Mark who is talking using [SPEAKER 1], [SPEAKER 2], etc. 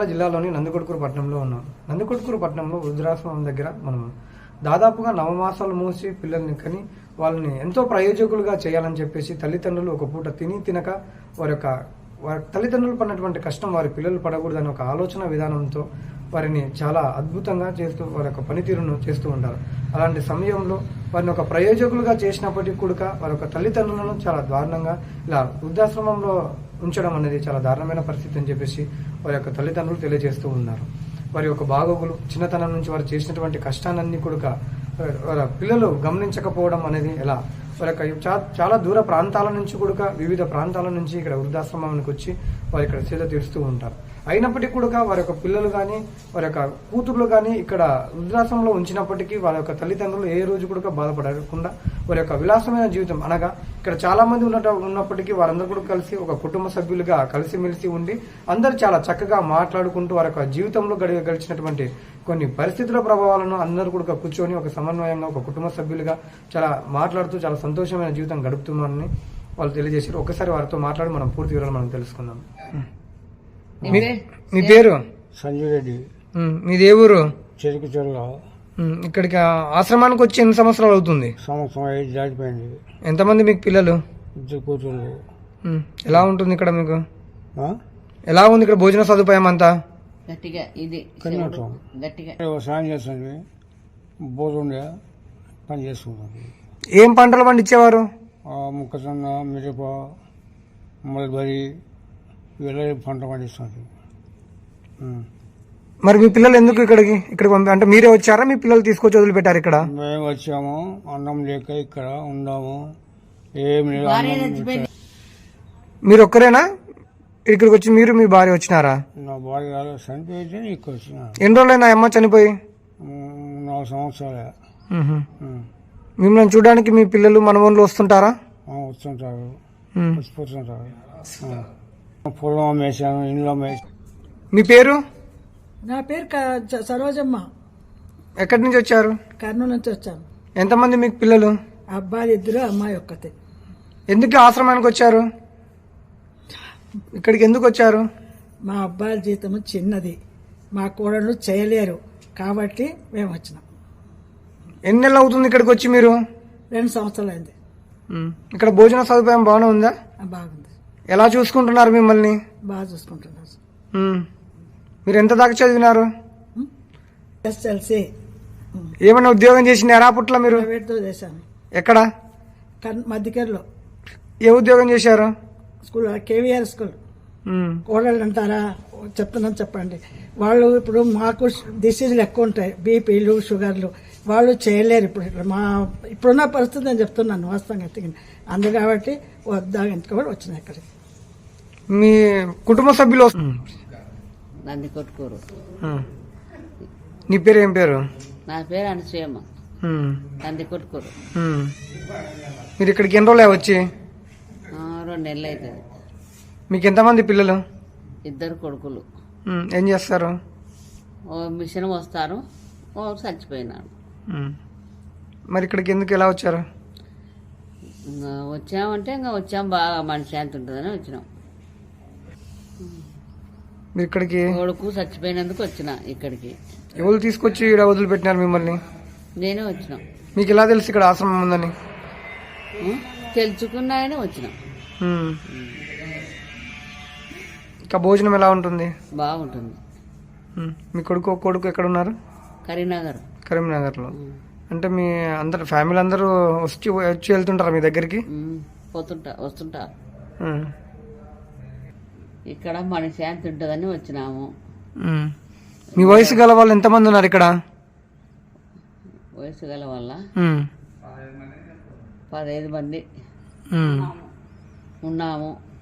[SPEAKER 1] జిల్లాలోని నందికొట్కూరు పట్టణంలో ఉన్నాం. నందికొట్కూరు పట్టణంలో వృద్ధాశ్రమం దగ్గర మనం దాదాపుగా 9 మాసాలు మూసి పిల్లల్ని కని వాళ్ళని ఎంతో ప్రయోజకులుగా చేయాలని చెప్పేసి తల్లిదండ్రులు ఒక పూట తినక వారి తల్లిదండ్రులు పడినటువంటి కష్టం వారి పిల్లలు పడకూడదని ఒక ఆలోచన విధానంతో వారిని చాలా అద్భుతంగా చేస్తూ వారి యొక్క పనితీరును చేస్తూ ఉంటారు. అలాంటి సమయంలో వారిని ఒక ప్రయోజకులుగా చేసినప్పటికీ కూడా వారి యొక్క తల్లిదండ్రులను చాలా దారుణంగా ఇలా వృద్ధాశ్రమంలో ఉంచడం అనేది చాలా దారుణమైన పరిస్థితి అని చెప్పేసి వారి యొక్క తల్లిదండ్రులు తెలియజేస్తూ ఉన్నారు. వారి యొక్క బాగోగులు చిన్నతనం నుంచి వారు చేసినటువంటి కష్టాలన్నీ కూడా వారి పిల్లలు గమనించకపోవడం అనేది ఎలా వారి యొక్క చాలా దూర ప్రాంతాల నుంచి కూడా వివిధ ప్రాంతాల నుంచి ఇక్కడ వృద్ధాశ్రమానికి వచ్చి వారు ఇక్కడ సేద తీరుస్తూ ఉంటారు. అయినప్పటికీ కూడా వారి యొక్క పిల్లలు కానీ వారి యొక్క కూతుర్లు కానీ ఇక్కడ వృద్ధాశ్రమంలో ఉంచినప్పటికీ వారి యొక్క తల్లిదండ్రులు ఏ రోజు కూడా బాధపడకుండా వారి యొక్క విలాసమైన జీవితం అనగా ఇక్కడ చాలా మంది ఉన్నప్పటికీ వారందరూ కూడా కలిసి ఒక కుటుంబ సభ్యులుగా కలిసిమెలిసి ఉండి అందరూ చాలా చక్కగా మాట్లాడుకుంటూ వారి యొక్క జీవితంలో గడిచినటువంటి కొన్ని పరిస్థితుల ప్రభావాలను అందరూ కూడా కూర్చొని ఒక సమన్వయంగా ఒక కుటుంబ సభ్యులుగా చాలా మాట్లాడుతూ చాలా సంతోషమైన జీవితం గడుపుతున్నారని వాళ్ళు తెలియజేశారు. ఒకసారి వారితో మాట్లాడి మనం పూర్తి వివరాలు మనం తెలుసుకుందాం. మీ పేరు?
[SPEAKER 2] సంజయ్ రెడ్డి.
[SPEAKER 1] మీది ఏ ఊరు?
[SPEAKER 2] చెరుకు చెరువు.
[SPEAKER 1] ఇక్కడికి ఆశ్రమానికి వచ్చి ఎన్ని సంవత్సరాలు అవుతుంది?
[SPEAKER 2] సంవత్సరం 5 దాటిపోయింది.
[SPEAKER 1] ఎంతమంది మీకు పిల్లలు?
[SPEAKER 2] 2 కూతుళ్ళు.
[SPEAKER 1] ఎలా ఉంటుంది ఇక్కడ మీకు? ఎలా ఉంది ఇక్కడ భోజన సదుపాయం అంతా?
[SPEAKER 2] సాయం చేస్తుంది, భోజనం పని చేసుకుంటాం.
[SPEAKER 1] ఏం పంటలు పండించేవారు?
[SPEAKER 2] మొక్కజొన్న, మిరప, మల్బరీ ఇవన్నీ పంట పండిస్తుంది.
[SPEAKER 1] మరి మీ పిల్లలు ఎందుకు ఇక్కడికి అంటే మీరే వచ్చారా మీ పిల్లలు తీసుకొచ్చి వదిలిపెట్టారు ఇక్కడ?
[SPEAKER 2] మేము వచ్చాము, అన్నం లేక ఇక్కడ ఉన్నాము. ఏం లేదు.
[SPEAKER 1] మీరు ఒక్కరేనా ఇక్కడికి వచ్చి? మీరు మీ భార్య వచ్చినారా?
[SPEAKER 2] నా భార్య చనిపోయితే ఇక్కడ వచ్చిన.
[SPEAKER 1] ఎన్ని రోజులైనా అమ్మ చనిపోయి?
[SPEAKER 2] 4 సంవత్సరాలే.
[SPEAKER 1] మిమ్మల్ని చూడడానికి మీ పిల్లలు మనవళ్ళు వస్తుంటారా?
[SPEAKER 2] వస్తుంటారు, వచ్చిపోతుంటారు. పొలం వేసాను, ఇంట్లో వేసాను.
[SPEAKER 1] మీ పేరు?
[SPEAKER 3] నా పేరు సరోజమ్మ.
[SPEAKER 1] ఎక్కడి నుంచి వచ్చారు?
[SPEAKER 3] కర్నూలు నుంచి వచ్చాను.
[SPEAKER 1] ఎంతమంది మీకు పిల్లలు?
[SPEAKER 3] అబ్బాయి 2, అమ్మాయి 1.
[SPEAKER 1] ఎందుకు ఆశ్రమానికి వచ్చారు? ఇక్కడికి ఎందుకు వచ్చారు?
[SPEAKER 3] మా అబ్బాయి జీతం చిన్నది, మా కోడళ్ళు చేయలేరు కాబట్టి మేము వచ్చినాం.
[SPEAKER 1] ఎన్ని నెలలు అవుతుంది ఇక్కడికి వచ్చి మీరు?
[SPEAKER 3] 2 సంవత్సరాలు అయింది.
[SPEAKER 1] ఇక్కడ భోజన సదుపాయం బాగానే ఉందా?
[SPEAKER 3] బాగుంది.
[SPEAKER 1] ఎలా చూసుకుంటున్నారు మిమ్మల్ని?
[SPEAKER 3] బాగా చూసుకుంటున్నారు.
[SPEAKER 1] మీరు ఎంత దాకా చదివినారు?
[SPEAKER 3] ఎస్ఎల్సి.
[SPEAKER 1] ఏమైనా ఉద్యోగం చేసినారా అప్పట్లో మీరు?
[SPEAKER 3] ప్రైవేట్తో చేశాను.
[SPEAKER 1] ఎక్కడ?
[SPEAKER 3] మధ్యకేర్లో.
[SPEAKER 1] ఏ ఉద్యోగం చేశారు?
[SPEAKER 3] School, KVR school. కోడళ్ళు అంటారా? చెప్తున్నాను, చెప్పండి. వాళ్ళు ఇప్పుడు మాకు డిసీజులు ఎక్కువ ఉంటాయి, బీపీలు, షుగర్లు. వాళ్ళు చేయలేరు ఇప్పుడు. ఇప్పుడున్న పరిస్థితి నేను చెప్తున్నాను వాస్తవంగా. అందు కాబట్టి వద్దాంతో కూడా వచ్చినాయి ఇక్కడికి.
[SPEAKER 1] మీ కుటుంబ సభ్యులు?
[SPEAKER 4] నందికొట్కూరు.
[SPEAKER 1] నీ పేరు ఏం పేరు?
[SPEAKER 4] నా పేరు అనసూయమ్మ. నందికొట్కూరు.
[SPEAKER 1] మీరు ఇక్కడికి ఎన్ని రోజులు వచ్చి?
[SPEAKER 4] 2 నెలలు అవుతుంది.
[SPEAKER 1] మీకు ఎంతమంది పిల్లలు?
[SPEAKER 4] 2 కొడుకులు.
[SPEAKER 1] ఏం చేస్తారు?
[SPEAKER 4] ఓ మిషన్ వస్తారు, ఓ చచ్చిపోయినాడు.
[SPEAKER 1] మరి ఇక్కడికి ఎందుకు ఎలా వచ్చారు?
[SPEAKER 4] వచ్చామంటే వచ్చాం, బాగా మనిషి ఎంత ఉంటుందని వచ్చినాం.
[SPEAKER 1] మీరు ఇక్కడికి
[SPEAKER 4] కొడుకు చచ్చిపోయినందుకు వచ్చిన ఇక్కడికి.
[SPEAKER 1] ఎవరు తీసుకొచ్చి ఇక్కడ వదిలిపెట్టినారు మిమ్మల్ని?
[SPEAKER 4] నేనే వచ్చినాం.
[SPEAKER 1] మీకు ఎలా తెలుసు ఇక్కడ ఆశ్రమం ఉందని?
[SPEAKER 4] తెలుసుకున్నాయని వచ్చినాం.
[SPEAKER 1] ఇంకా భోజనం ఎలా ఉంటుంది?
[SPEAKER 4] బాగుంటుంది.
[SPEAKER 1] మీ కొడుకు ఎక్కడ ఉన్నారు? కరీంనగర్లో. అంటే మీ అందరు ఫ్యామిలీ అందరూ వచ్చి వెళ్తుంటారా మీ దగ్గరికి?
[SPEAKER 4] వస్తుంటా. ఇక్కడ మనిషి ఎంత ఉంటుందని వచ్చినాము.
[SPEAKER 1] మీ వయసు గల వాళ్ళు ఎంతమంది ఉన్నారు ఇక్కడ?
[SPEAKER 4] వయసు గల వాళ్ళ 15 మంది ఉన్నాము.